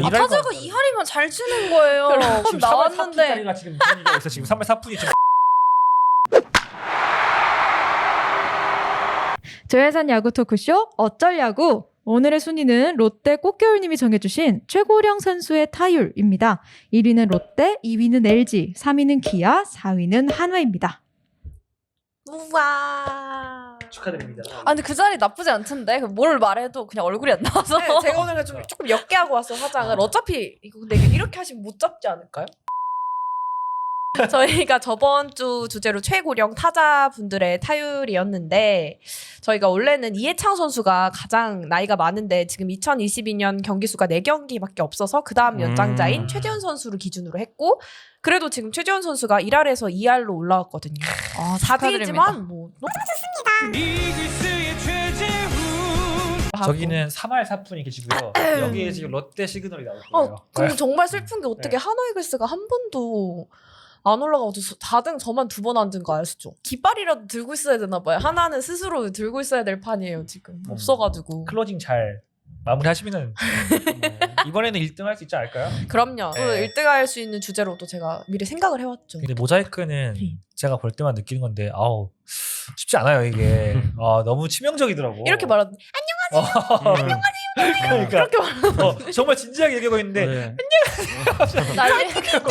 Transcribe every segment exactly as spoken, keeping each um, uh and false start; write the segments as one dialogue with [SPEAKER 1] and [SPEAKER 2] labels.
[SPEAKER 1] 아, 타자가 이 할이면 잘 치는 거예요. 그럼 나왔는데
[SPEAKER 2] 자리가 지금 분위기가 있어. 지금 삼 할 사 푼이 좀
[SPEAKER 3] 조혜산 야구 토크쇼 어쩔 야구. 오늘의 순위는 롯데 꽃겨울님이 정해주신 최고령 선수의 타율입니다. 일 위는 롯데, 이 위는 엘지, 삼 위는 기아, 사 위는 한화입니다.
[SPEAKER 1] 우와.
[SPEAKER 2] 축하드립니다.
[SPEAKER 1] 아 근데 그 자리 나쁘지 않던데 뭘 말해도 그냥 얼굴이 안 나와서.
[SPEAKER 4] 네, 제가 오늘 좀 조금 옅게 하고 왔어 화장을. 어차피 이거 근데 이렇게 하시면 못 잡지 않을까요? 저희가 저번 주 주제로 최고령 타자분들의 타율이었는데 저희가 원래는 이해창 선수가 가장 나이가 많은데 지금 이천이십이 년 경기 수가 네 경기밖에 없어서 그 다음 연장자인
[SPEAKER 5] 음.
[SPEAKER 4] 최지훈 선수를 기준으로 했고 그래도 지금 최지훈 선수가 일 할에서 이 할로 올라왔거든요.
[SPEAKER 1] 아,
[SPEAKER 4] 사
[SPEAKER 1] 축하드립니다.
[SPEAKER 4] 위지만 뭐 너무
[SPEAKER 2] 저기는 삼 할 사 푼이 계시고요. 여기에 지금 롯데 시그널이 나올 거예요.
[SPEAKER 4] 어, 그럼 정말 슬픈 게 어떻게
[SPEAKER 2] 네.
[SPEAKER 4] 한화이글스가 한 번도 안 올라가고 사 등 저만 두 번 앉은 거 아시죠? 깃발이라도 들고 있어야 되나 봐요. 하나는 스스로 들고 있어야 될 판이에요 지금.
[SPEAKER 2] 음.
[SPEAKER 4] 없어가지고.
[SPEAKER 2] 클로징 잘 마무리하시면은 뭐 이번에는 일 등 할 수 있지 않을까요?
[SPEAKER 4] 그럼요. 또
[SPEAKER 2] 네.
[SPEAKER 4] 일 등 할 수 있는 주제로 또 제가 미리 생각을 해왔죠.
[SPEAKER 2] 근데 모자이크는
[SPEAKER 4] 네.
[SPEAKER 2] 제가 볼 때만 느끼는 건데 아우 쉽지 않아요 이게. 아, 너무 치명적이더라고.
[SPEAKER 4] 이렇게 말하는
[SPEAKER 2] 어,
[SPEAKER 5] 음.
[SPEAKER 2] 그러니까
[SPEAKER 4] 그렇게 말하는
[SPEAKER 2] 어, 정말 진지하게 얘기하고 있는데
[SPEAKER 5] 네.
[SPEAKER 1] 난리.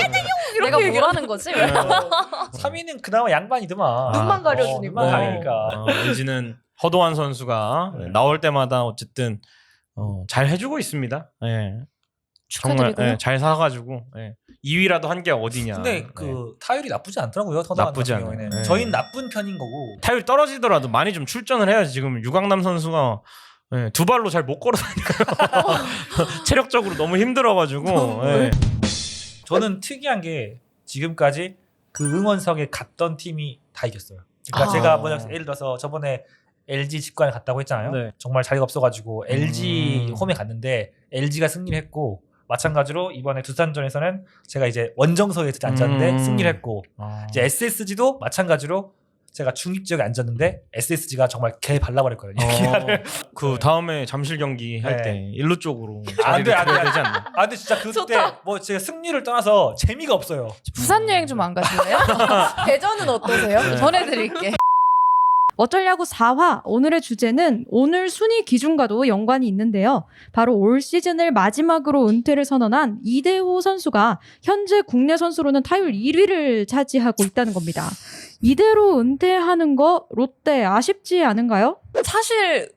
[SPEAKER 1] 내가
[SPEAKER 4] 얘기를-
[SPEAKER 1] 뭐라는 거지? 왜?
[SPEAKER 2] 삼 위는 그나마 양반이더만.
[SPEAKER 4] 눈만 가려주니까.
[SPEAKER 2] 어, 눈만
[SPEAKER 5] 네.
[SPEAKER 2] 가리니까.
[SPEAKER 5] 어, 엔지는 허도한 선수가
[SPEAKER 2] 네.
[SPEAKER 5] 나올 때마다 어쨌든 어, 잘 해주고 있습니다. 예. 정말
[SPEAKER 4] 축하드리고요.
[SPEAKER 5] 예, 잘 사가지고 예. 이 위라도 한 게 어디냐.
[SPEAKER 2] 근데
[SPEAKER 5] 예.
[SPEAKER 2] 그 타율이 나쁘지 않더라고요. 터널
[SPEAKER 5] 나쁘지
[SPEAKER 2] 같은
[SPEAKER 5] 않아요.
[SPEAKER 2] 경우에는.
[SPEAKER 5] 네.
[SPEAKER 2] 저희는 나쁜 편인 거고.
[SPEAKER 5] 타율 떨어지더라도 많이 좀 출전을 해야지. 지금 유강남 선수가 예, 두 발로 잘 못 걸어 다니고요. 체력적으로 너무 힘들어가지고. 예.
[SPEAKER 2] 저는 특이한 게 지금까지 그 응원석에 갔던 팀이 다 이겼어요. 그러니까
[SPEAKER 4] 아.
[SPEAKER 2] 제가 뭐냐 예를 들어서 저번에 엘지 직관에 갔다고 했잖아요.
[SPEAKER 5] 네.
[SPEAKER 2] 정말 자리가 없어가지고 엘지
[SPEAKER 5] 음.
[SPEAKER 2] 홈에 갔는데 엘지가 승리를 했고 마찬가지로 이번에 두산전에서는 제가 이제 원정석에 앉았는데
[SPEAKER 5] 음.
[SPEAKER 2] 승리를 했고
[SPEAKER 5] 아.
[SPEAKER 2] 이제 에스에스지도 마찬가지로 제가 중립 지역에 앉았는데 에스에스지가 정말 개 발라버렸거든요.
[SPEAKER 5] 어, 그 다음에 잠실 경기 할
[SPEAKER 2] 네.
[SPEAKER 5] 때 일루 쪽으로
[SPEAKER 2] 안 돼,
[SPEAKER 5] 자리를
[SPEAKER 2] 안 돼,
[SPEAKER 5] 드려야
[SPEAKER 2] 안
[SPEAKER 5] 되지 않나?
[SPEAKER 2] 아 근데 진짜 그때
[SPEAKER 4] 좋다.
[SPEAKER 2] 뭐 제가 승리를 떠나서 재미가 없어요.
[SPEAKER 1] 부산 여행 좀 안 가실래요?
[SPEAKER 4] 대전은 어떠세요?
[SPEAKER 5] 네.
[SPEAKER 1] 전해드릴게.
[SPEAKER 3] 어쩔 야구 사 화. 오늘의 주제는 오늘 순위 기준과도 연관이 있는데요. 바로 올 시즌을 마지막으로 은퇴를 선언한 이대호 선수가 현재 국내 선수로는 타율 일 위를 차지하고 있다는 겁니다. 이대로 은퇴하는 거 롯데 아쉽지 않은가요?
[SPEAKER 1] 사실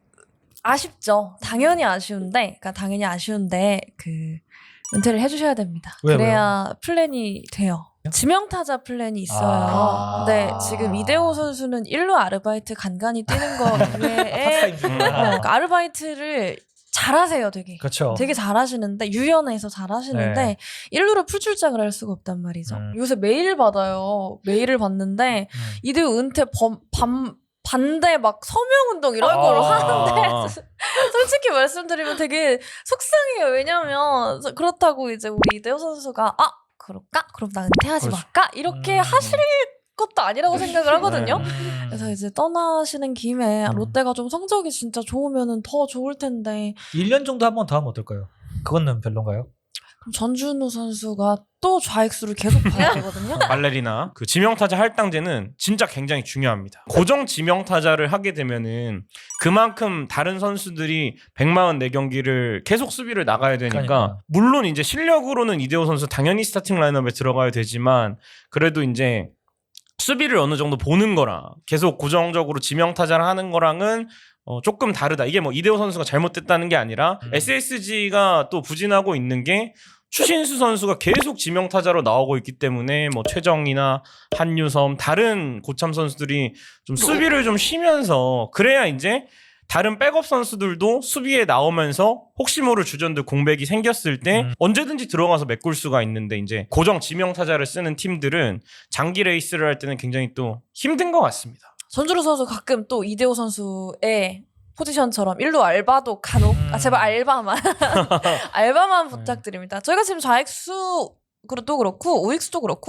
[SPEAKER 1] 아쉽죠. 당연히 아쉬운데, 그러니까 당연히 아쉬운데 그 은퇴를 해주셔야 됩니다.
[SPEAKER 2] 왜요,
[SPEAKER 1] 그래야 플랜이 돼요. 지명타자 플랜이 있어요.
[SPEAKER 2] 아.
[SPEAKER 1] 근데 지금 이대호 선수는 일루 아르바이트 간간히 뛰는 거 외에
[SPEAKER 2] 파트타임
[SPEAKER 1] 어,
[SPEAKER 2] 중이구나.
[SPEAKER 1] 그러니까 아르바이트를 잘하세요, 되게.
[SPEAKER 2] 그렇죠.
[SPEAKER 1] 되게 잘하시는데 유연해서 잘하시는데
[SPEAKER 2] 네.
[SPEAKER 1] 일루로 풀출장을 할 수가 없단 말이죠.
[SPEAKER 2] 음.
[SPEAKER 1] 요새 메일 받아요. 메일을 받는데
[SPEAKER 2] 음.
[SPEAKER 1] 이대호 은퇴 범, 밤, 반대 막 서명운동 이런
[SPEAKER 2] 아.
[SPEAKER 1] 거를 하는데 솔직히 말씀드리면 되게 속상해요. 왜냐면 그렇다고 이제 우리 이대호 선수가 아 그럴까? 그럼 나 은퇴하지
[SPEAKER 5] 그렇죠.
[SPEAKER 1] 말까? 이렇게
[SPEAKER 2] 음.
[SPEAKER 1] 하실 것도 아니라고 생각을 하거든요.
[SPEAKER 5] 네.
[SPEAKER 2] 음.
[SPEAKER 1] 그래서 이제 떠나시는 김에
[SPEAKER 2] 음.
[SPEAKER 1] 롯데가 좀 성적이 진짜 좋으면 더 좋을 텐데
[SPEAKER 2] 일 년 정도 한 번 더 하면 어떨까요? 그거는 별론가요?
[SPEAKER 1] 그럼 전준우 선수가 또 좌익수를 계속 봐야 되거든요.
[SPEAKER 5] 발레리나 그 지명타자 할당제는 진짜 굉장히 중요합니다. 고정 지명타자를 하게 되면은 그만큼 다른 선수들이 백사십사 경기를 계속 수비를 나가야 되니까
[SPEAKER 2] 그러니까.
[SPEAKER 5] 물론 이제 실력으로는 이대호 선수 당연히 스타팅 라인업에 들어가야 되지만 그래도 이제 수비를 어느 정도 보는 거랑 계속 고정적으로 지명타자를 하는 거랑은 어, 조금 다르다. 이게 뭐 이대호 선수가 잘못됐다는 게 아니라
[SPEAKER 2] 음.
[SPEAKER 5] 에스에스지가 또 부진하고 있는 게 추신수 선수가 계속 지명타자로 나오고 있기 때문에 뭐 최정이나 한유섬 다른 고참 선수들이 좀 수비를 좀 쉬면서 그래야 이제 다른 백업 선수들도 수비에 나오면서 혹시 모를 주전들 공백이 생겼을 때
[SPEAKER 2] 음.
[SPEAKER 5] 언제든지 들어가서 메꿀 수가 있는데 이제 고정 지명타자를 쓰는 팀들은 장기 레이스를 할 때는 굉장히 또 힘든 것 같습니다.
[SPEAKER 1] 전준우 선수 가끔 또 이대호 선수의 포지션처럼 일루 알바도 간혹
[SPEAKER 2] 음.
[SPEAKER 1] 아 제발 알바만 알바만 부탁드립니다. 저희가 지금 좌익수 그도 그렇고 우익수도 그렇고 특히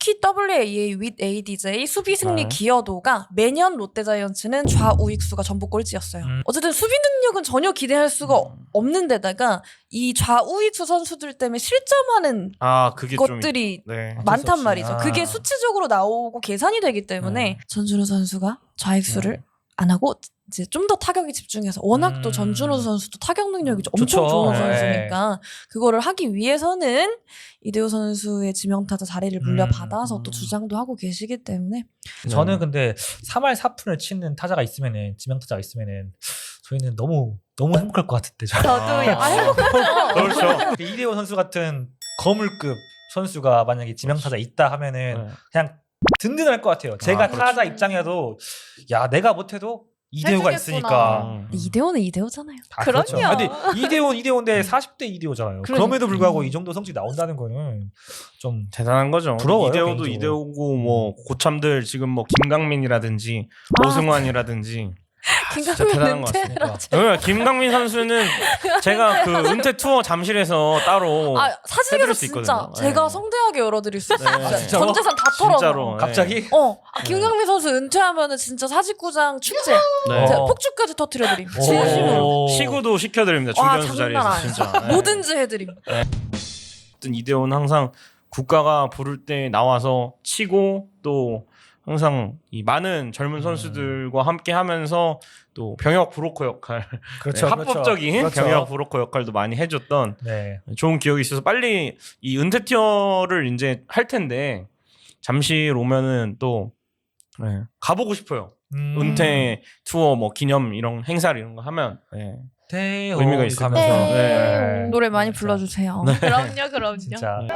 [SPEAKER 1] 루키 더블유에이에이 with 에이디제이 수비 승리
[SPEAKER 5] 네.
[SPEAKER 1] 기여도가 매년 롯데자이언츠는 좌우익수가 전부 꼴찌였어요.
[SPEAKER 2] 음.
[SPEAKER 1] 어쨌든 수비 능력은 전혀 기대할 수가
[SPEAKER 5] 음.
[SPEAKER 1] 없는 데다가 이 좌우익수 선수들 때문에 실점하는
[SPEAKER 5] 아 그게
[SPEAKER 1] 것들이
[SPEAKER 5] 좀 네.
[SPEAKER 1] 많단
[SPEAKER 2] 없이.
[SPEAKER 1] 말이죠.
[SPEAKER 2] 아.
[SPEAKER 1] 그게 수치적으로 나오고 계산이 되기 때문에
[SPEAKER 2] 네.
[SPEAKER 1] 전준우 선수가 좌익수를
[SPEAKER 2] 네.
[SPEAKER 1] 안 하고 이제 좀 더 타격에 집중해서 워낙 또
[SPEAKER 2] 음.
[SPEAKER 1] 전준우 선수도 타격 능력이
[SPEAKER 2] 좋죠.
[SPEAKER 1] 엄청 좋은
[SPEAKER 2] 네.
[SPEAKER 1] 선수니까 그거를 하기 위해서는 이대호 선수의 지명타자 자리를 물려받아서
[SPEAKER 2] 음.
[SPEAKER 1] 또 주장도 하고 계시기 때문에
[SPEAKER 2] 저는 근데 삼 할 사 푼을 치는 타자가 있으면은 지명타자가 있으면은 저희는 너무 너무 행복할 것 같은데. 저는.
[SPEAKER 1] 저도요. 아, 행복하죠.
[SPEAKER 5] 그렇죠.
[SPEAKER 2] 이대호 선수 같은 거물급 선수가 만약에 지명타자 있다 하면은
[SPEAKER 5] 네.
[SPEAKER 2] 그냥 든든할 것 같아요. 제가
[SPEAKER 5] 아, 그렇죠.
[SPEAKER 2] 타자 입장에도 야 내가 못해도 이대호가
[SPEAKER 1] 해주겠구나.
[SPEAKER 2] 있으니까.
[SPEAKER 5] 음.
[SPEAKER 1] 이대호는 이대호잖아요.
[SPEAKER 2] 아,
[SPEAKER 1] 그럼요.
[SPEAKER 2] 그렇죠. 아니, 이대호 이대호인데 사십 대 이대호잖아요.
[SPEAKER 1] 그러니까.
[SPEAKER 2] 그럼에도 불구하고
[SPEAKER 1] 음.
[SPEAKER 2] 이 정도 성적이 나온다는 거는 좀
[SPEAKER 5] 대단한 거죠.
[SPEAKER 2] 부러워요,
[SPEAKER 5] 이대호도
[SPEAKER 2] 개인적으로.
[SPEAKER 5] 이대호고 뭐 고참들 지금 뭐 김강민이라든지
[SPEAKER 1] 아.
[SPEAKER 5] 오승환이라든지 진짜 대단한
[SPEAKER 1] 김강민
[SPEAKER 5] 것 같습니다.
[SPEAKER 1] 은퇴라.
[SPEAKER 5] 네, 김강민 선수는 제가 그 은퇴 투어 잠실에서 따로
[SPEAKER 1] 아 사실은
[SPEAKER 5] 해드릴 수
[SPEAKER 1] 진짜
[SPEAKER 5] 있거든요.
[SPEAKER 1] 제가
[SPEAKER 5] 네.
[SPEAKER 1] 성대하게 열어드릴 수 있어요.
[SPEAKER 5] 네.
[SPEAKER 1] 진짜
[SPEAKER 2] 진짜로?
[SPEAKER 1] 전 재산 다 털어서.
[SPEAKER 5] 진짜로.
[SPEAKER 2] 갑자기
[SPEAKER 1] 어, 아, 김강민 선수 은퇴하면은 진짜 사직구장 축제,
[SPEAKER 5] 네.
[SPEAKER 1] 제가
[SPEAKER 2] 어.
[SPEAKER 1] 폭주까지 터트려드림.
[SPEAKER 2] 오.
[SPEAKER 1] 진심으로.
[SPEAKER 5] 시구도 시켜드립니다.
[SPEAKER 1] 와,
[SPEAKER 5] 중견수
[SPEAKER 1] 장난
[SPEAKER 5] 자리에서
[SPEAKER 1] 아니야.
[SPEAKER 5] 진짜. 네.
[SPEAKER 1] 뭐든지 해드림.
[SPEAKER 5] 어쨌든 이대호는 항상 국가가 부를 때 나와서 치고 또 항상 이 많은 젊은
[SPEAKER 2] 음.
[SPEAKER 5] 선수들과 함께 하면서 또 병역 브로커 역할,
[SPEAKER 2] 그렇죠.
[SPEAKER 5] 네, 합법적인
[SPEAKER 2] 그렇죠.
[SPEAKER 5] 병역 브로커 역할도 많이 해줬던
[SPEAKER 2] 네.
[SPEAKER 5] 좋은 기억이 있어서 빨리 이 은퇴 티어를 이제 할 텐데 잠실 오면은 또 네, 가보고 싶어요.
[SPEAKER 2] 음.
[SPEAKER 5] 은퇴 투어 뭐 기념 이런 행사 이런 거 하면 네.
[SPEAKER 2] 대호
[SPEAKER 5] 의미가 있을
[SPEAKER 2] 가면서.
[SPEAKER 5] 것 같아요. 네.
[SPEAKER 1] 노래 많이
[SPEAKER 2] 진짜.
[SPEAKER 1] 불러주세요.
[SPEAKER 4] 그럼요, 그럼요.
[SPEAKER 2] 진짜
[SPEAKER 5] 네.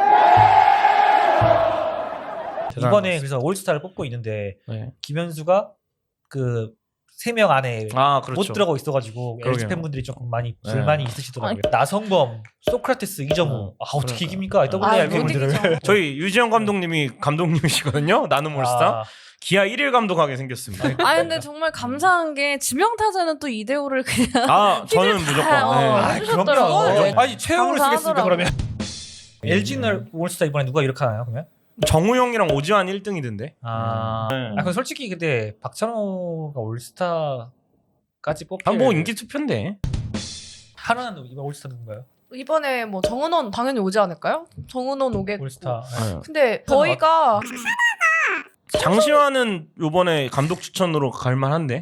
[SPEAKER 5] 대단한 것
[SPEAKER 2] 이번에
[SPEAKER 5] 같습니다.
[SPEAKER 2] 그래서 올스타를 뽑고 있는데
[SPEAKER 5] 네.
[SPEAKER 2] 김현수가 그 세 명 안에
[SPEAKER 5] 아 그렇죠.
[SPEAKER 2] 못 들어가고 있어가지고
[SPEAKER 5] 그러게요.
[SPEAKER 2] 엘지 팬분들이 조금 많이
[SPEAKER 5] 네.
[SPEAKER 2] 불만이 있으시더라고요. 나성범, 소크라테스, 이정우.
[SPEAKER 5] 어,
[SPEAKER 2] 아 어떻게
[SPEAKER 5] 그러니까요.
[SPEAKER 2] 이깁니까?
[SPEAKER 1] 아,
[SPEAKER 2] 더블유에이알
[SPEAKER 1] 못
[SPEAKER 2] 팬분들을.
[SPEAKER 1] 이기죠.
[SPEAKER 5] 저희 유지영 감독님이 감독님이시거든요. 나눔 올스타.
[SPEAKER 2] 아,
[SPEAKER 5] 기아 일 일 감독하게 생겼습니다.
[SPEAKER 1] 아 근데 정말 감사한 게 지명타자는 또 이대호를 그냥
[SPEAKER 5] 아 저는
[SPEAKER 1] 다,
[SPEAKER 5] 무조건.
[SPEAKER 1] 어,
[SPEAKER 5] 네.
[SPEAKER 2] 아,
[SPEAKER 1] 해주셨더라고요.
[SPEAKER 2] 그럼요.
[SPEAKER 1] 네.
[SPEAKER 2] 아니 최영우를 쓰겠습니까
[SPEAKER 1] 감사하더라고요.
[SPEAKER 2] 그러면? 엘지는 올스타 이번에 누가 이렇게 하나요 그러면?
[SPEAKER 5] 정우영이랑 오지환 일 등이던데.
[SPEAKER 2] 아,
[SPEAKER 5] 네.
[SPEAKER 2] 아 그럼 솔직히 근데 박찬호가 올스타까지 뽑힐.
[SPEAKER 5] 아뭐 인기 투표인데.
[SPEAKER 2] 하나는 이번 올스타 누군가요?
[SPEAKER 4] 이번에 뭐 정은원 당연히 오지 않을까요? 정은원 오겠고.
[SPEAKER 2] 올스타.
[SPEAKER 5] 네.
[SPEAKER 4] 근데 저희가
[SPEAKER 5] 장시환은 요번에 감독 추천으로 갈만한데.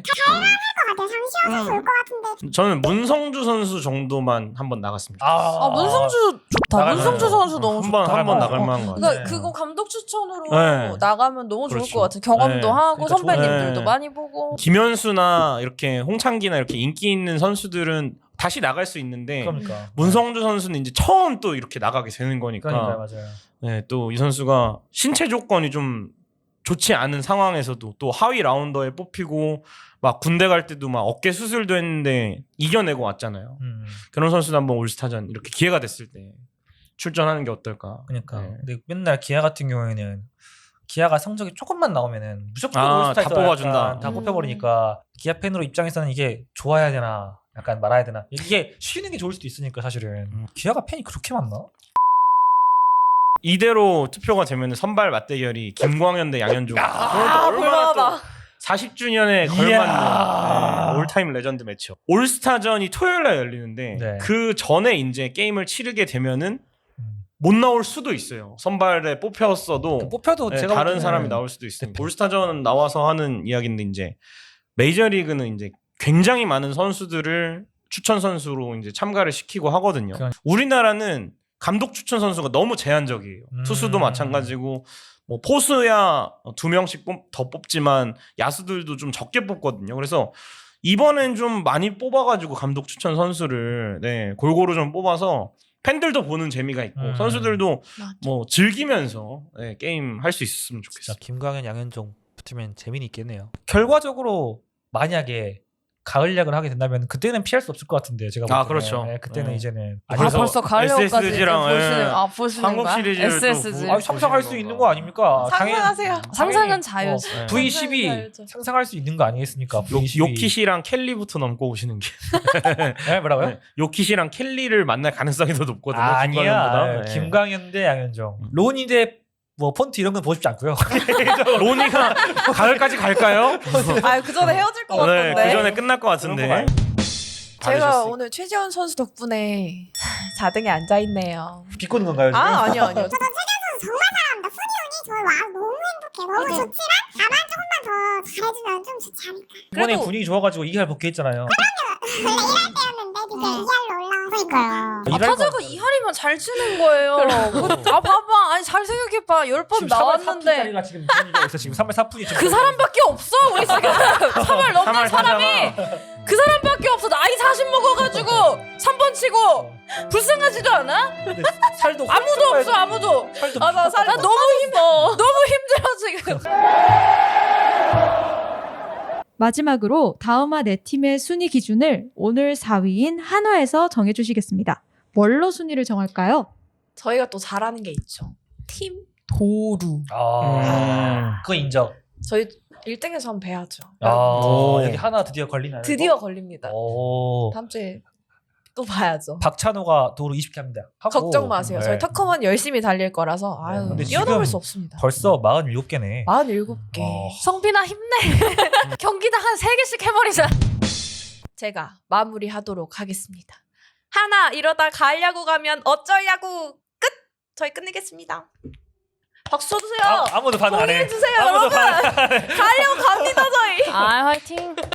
[SPEAKER 5] 저는 문성주 선수 정도만 한번 나갔으면 좋겠어요.
[SPEAKER 1] 아 문성주 좋다.
[SPEAKER 2] 나가면-
[SPEAKER 1] 문성주 선수 너무
[SPEAKER 5] 한번
[SPEAKER 1] 좋다.
[SPEAKER 5] 한번
[SPEAKER 1] 어,
[SPEAKER 5] 나갈
[SPEAKER 1] 어.
[SPEAKER 5] 만한 거 같아요.
[SPEAKER 1] 그러니까
[SPEAKER 2] 네.
[SPEAKER 1] 그거 감독 추천으로
[SPEAKER 5] 네.
[SPEAKER 1] 나가면 너무 좋을
[SPEAKER 5] 그렇죠.
[SPEAKER 1] 것 같아요. 경험도
[SPEAKER 5] 네.
[SPEAKER 1] 하고
[SPEAKER 2] 그러니까
[SPEAKER 1] 선배님들도
[SPEAKER 5] 좋네.
[SPEAKER 1] 많이 보고.
[SPEAKER 5] 김현수나 이렇게 홍창기나 이렇게 인기 있는 선수들은 다시 나갈 수 있는데
[SPEAKER 2] 그러니까.
[SPEAKER 5] 문성주 선수는 이제 처음 또 이렇게 나가게 되는 거니까
[SPEAKER 2] 그러니까 맞아요.
[SPEAKER 5] 네, 또 이 선수가 신체 조건이 좀 좋지 않은 상황에서도 또 하위 라운더에 뽑히고 막 군대 갈 때도 막 어깨 수술도 했는데 이겨내고 왔잖아요.
[SPEAKER 2] 음,
[SPEAKER 5] 그런 선수도 한번 올스타전 이렇게 기회가 됐을 때 출전하는 게 어떨까?
[SPEAKER 2] 그러니까.
[SPEAKER 5] 네.
[SPEAKER 2] 근데 맨날 기아 같은 경우에는 기아가 성적이 조금만 나오면은 무조건
[SPEAKER 5] 아,
[SPEAKER 2] 올스타에서
[SPEAKER 5] 다 뽑아준다.
[SPEAKER 2] 약간 다
[SPEAKER 1] 음.
[SPEAKER 2] 뽑혀버리니까 기아 팬으로 입장에서는 이게 좋아야 되나 약간 말아야 되나 이게 쉬는 게 좋을 수도 있으니까 사실은
[SPEAKER 5] 음.
[SPEAKER 2] 기아가 팬이 그렇게 많나?
[SPEAKER 5] 이대로 투표가 되면 선발 맞대결이 김광현 대 양현종.
[SPEAKER 1] 아 볼만하다.
[SPEAKER 5] 사십 주년에
[SPEAKER 2] 이야.
[SPEAKER 5] 걸맞는 네, 올타임 레전드 매치요. 올스타전이 토요일 날 열리는데
[SPEAKER 2] 네.
[SPEAKER 5] 그 전에 이제 게임을 치르게 되면은
[SPEAKER 2] 음.
[SPEAKER 5] 못 나올 수도 있어요. 선발에 뽑혔어도
[SPEAKER 2] 그 뽑혀도
[SPEAKER 5] 네,
[SPEAKER 2] 제가
[SPEAKER 5] 다른
[SPEAKER 2] 보기에는
[SPEAKER 5] 사람이 나올 수도 있습니다.
[SPEAKER 2] 대표.
[SPEAKER 5] 올스타전 나와서 하는 이야기인데 이제 메이저리그는 이제 굉장히 많은 선수들을 추천 선수로 이제 참가를 시키고 하거든요.
[SPEAKER 2] 그건-
[SPEAKER 5] 우리나라는 감독 추천 선수가 너무 제한적이에요.
[SPEAKER 2] 음.
[SPEAKER 5] 투수도 마찬가지고 뭐 포수야 두 명씩 뽑, 더 뽑지만 야수들도 좀 적게 뽑거든요. 그래서 이번엔 좀 많이 뽑아가지고 감독 추천 선수를 네, 골고루 좀 뽑아서 팬들도 보는 재미가 있고
[SPEAKER 2] 음.
[SPEAKER 5] 선수들도
[SPEAKER 1] 맞아.
[SPEAKER 5] 뭐 즐기면서 네, 게임 할 수 있었으면
[SPEAKER 2] 진짜
[SPEAKER 5] 좋겠어요.
[SPEAKER 2] 김광현 양현종 붙으면 재미는 있겠네요. 결과적으로 만약에 가을약을 하게 된다면 그때는 피할 수 없을 것 같은데 제가
[SPEAKER 5] 아,
[SPEAKER 2] 볼 때는.
[SPEAKER 5] 그렇죠.
[SPEAKER 2] 네, 그때는
[SPEAKER 5] 네.
[SPEAKER 2] 이제는
[SPEAKER 1] 아
[SPEAKER 5] 그래서
[SPEAKER 1] 벌써 가을까지
[SPEAKER 5] 에스에스지랑,
[SPEAKER 1] 보시는
[SPEAKER 5] 예.
[SPEAKER 1] 아 보시는
[SPEAKER 5] 한국
[SPEAKER 1] 거야?
[SPEAKER 5] 시리즈를 또
[SPEAKER 1] 에스에스지.
[SPEAKER 5] 보-
[SPEAKER 2] 아, 상상할 수
[SPEAKER 5] 보시는
[SPEAKER 2] 있는
[SPEAKER 5] 건가.
[SPEAKER 2] 거 아닙니까?
[SPEAKER 4] 상상하세요.
[SPEAKER 2] 당연히-
[SPEAKER 1] 상상은
[SPEAKER 2] 당연히-
[SPEAKER 1] 자유지.
[SPEAKER 5] 어, 네.
[SPEAKER 2] 브이 십이
[SPEAKER 1] 자유죠.
[SPEAKER 2] 상상할 수 있는 거 아니겠습니까?
[SPEAKER 5] 요,
[SPEAKER 2] 브이 십이.
[SPEAKER 5] 요키시랑 켈리부터 넘고 오시는 게
[SPEAKER 2] 네, 뭐라고요?
[SPEAKER 5] 네. 요키시랑 켈리를 만날 가능성이 더 높거든요.
[SPEAKER 2] 아, 아니야.
[SPEAKER 5] 김광현보다. 네.
[SPEAKER 2] 김광현 대 양현종.
[SPEAKER 5] 음.
[SPEAKER 2] 로니 대 뭐 폰트 이런 건 보고 싶지 않고요.
[SPEAKER 5] 로니가 가을까지 갈까요?
[SPEAKER 4] 아, 그 전에 헤어질 것
[SPEAKER 5] 네,
[SPEAKER 4] 같던데.
[SPEAKER 5] 그 전에 끝날 것 같은데.
[SPEAKER 2] 그런 거
[SPEAKER 4] 제가
[SPEAKER 2] 받으셨어요.
[SPEAKER 4] 오늘 최지원 선수 덕분에 사 등에 앉아 있네요.
[SPEAKER 2] 비꼬는 건가요 지금?
[SPEAKER 4] 아, 아니요, 아니요.
[SPEAKER 6] 저도 최경 선수 정말 사랑합니다. 순위운이 저희 와 너무 행복해. 너무 좋지만 다만 조금만 더 잘해주면 좀 좋지 않을까.
[SPEAKER 2] 이번에
[SPEAKER 4] 그래도-
[SPEAKER 2] 분위기 좋아가지고 이할 복귀했잖아요.
[SPEAKER 6] 원래 일할 때였는데 이게 이할로 올라와서
[SPEAKER 1] 아, 타자가 이할이면 잘 치는 거예요. 뭐, 아 봐봐, 아니 잘 생각해봐, 열 번 나왔는데
[SPEAKER 2] 자리가 지금 분위기가 있어 지금 삼 할 사 푼이
[SPEAKER 1] 그 사람밖에 없어 우리 지금 삼 할 넘는
[SPEAKER 5] 삼 할
[SPEAKER 1] 사람이
[SPEAKER 5] 타자가
[SPEAKER 1] 그 사람밖에 없어. 나이 사십 먹어가지고 삼 번 치고 불쌍하지도 않아?
[SPEAKER 2] 살도
[SPEAKER 1] 아무도 없어 아무도.
[SPEAKER 2] 살도
[SPEAKER 1] 아 나 살 나 너무 힘들어. 너무 힘들어 지금.
[SPEAKER 3] 마지막으로 다음화 네 팀의 순위 기준을 오늘 사 위인 한화에서 정해주시겠습니다. 뭘로 순위를 정할까요?
[SPEAKER 4] 저희가 또 잘하는 게 있죠. 팀 도루.
[SPEAKER 2] 아, 그거 인정.
[SPEAKER 4] 저희 일 등에서 한번 뵈야죠.
[SPEAKER 2] 아,
[SPEAKER 5] 오.
[SPEAKER 2] 여기 하나 드디어 걸리나요?
[SPEAKER 4] 드디어 걸립니다.
[SPEAKER 2] 오.
[SPEAKER 4] 다음 주에 또 봐야죠.
[SPEAKER 2] 박찬호가 도로 이십 개 합니다. 하고.
[SPEAKER 4] 걱정 마세요. 저희
[SPEAKER 2] 네.
[SPEAKER 4] 터커만 열심히 달릴 거라서 아유
[SPEAKER 2] 근데
[SPEAKER 4] 뛰어넘을
[SPEAKER 2] 지금
[SPEAKER 4] 수 없습니다.
[SPEAKER 2] 벌써 사십칠 개네.
[SPEAKER 4] 사십칠 개.
[SPEAKER 2] 어.
[SPEAKER 1] 성빈아 힘내. 경기당 한 세 개씩 해버리자.
[SPEAKER 4] 제가 마무리하도록 하겠습니다. 하나 이러다 가을야구 가면 어쩌려고 끝. 저희 끝내겠습니다. 박수 쳐주세요.
[SPEAKER 2] 아, 아무도 반응 안 해.
[SPEAKER 4] 동의해 주세요,
[SPEAKER 2] 아무도
[SPEAKER 4] 여러분.
[SPEAKER 2] 반응 안 해.
[SPEAKER 4] 가을야구 갑니다 저희.
[SPEAKER 1] 아 화이팅.